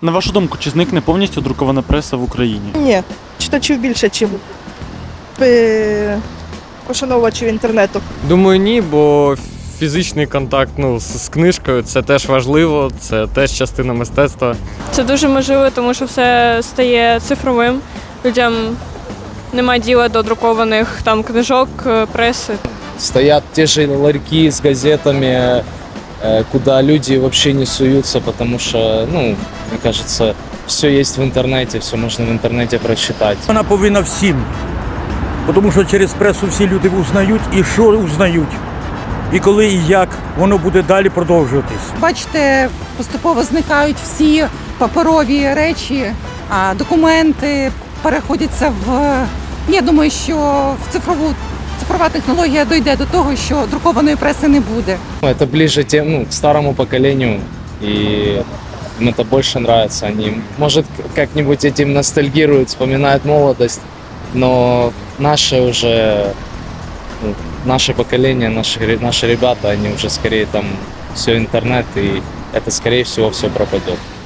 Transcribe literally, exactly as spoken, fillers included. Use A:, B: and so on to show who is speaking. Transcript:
A: На вашу думку, чи зникне повністю друкована преса в Україні?
B: Ні, читачів більше, ніж пошановувачів інтернету.
C: Думаю, ні, бо фізичний контакт ну, з, з книжкою – це теж важливо, це теж частина мистецтва.
D: Це дуже можливо, тому що все стає цифровим. Людям немає діла до друкованих там книжок, преси.
E: Стоят те же ларьки с газетами, э, куда люди вообще не суются, потому что, ну, мне кажется, все есть в интернете, все можно в интернете прочитать.
F: Вона повинна всім, тому що через пресу всі люди узнають і що узнають, і коли і як воно буде далі продовжуватись.
G: Бачите, поступово зникають всі паперові речі, а документи переходяться в... Я думаю, що в цифрову цифрова технологія дойде до того, що друкованої преси не буде.
E: Это ближе тем, ну, к старому поколению, и им это больше нравится. Они, может, как-нибудь этим ностальгируют, вспоминают молодость, но наше уже, ну, наше поколение, наши, наши ребята, они уже скорее там все интернет, и это, скорее всего, все пропадет.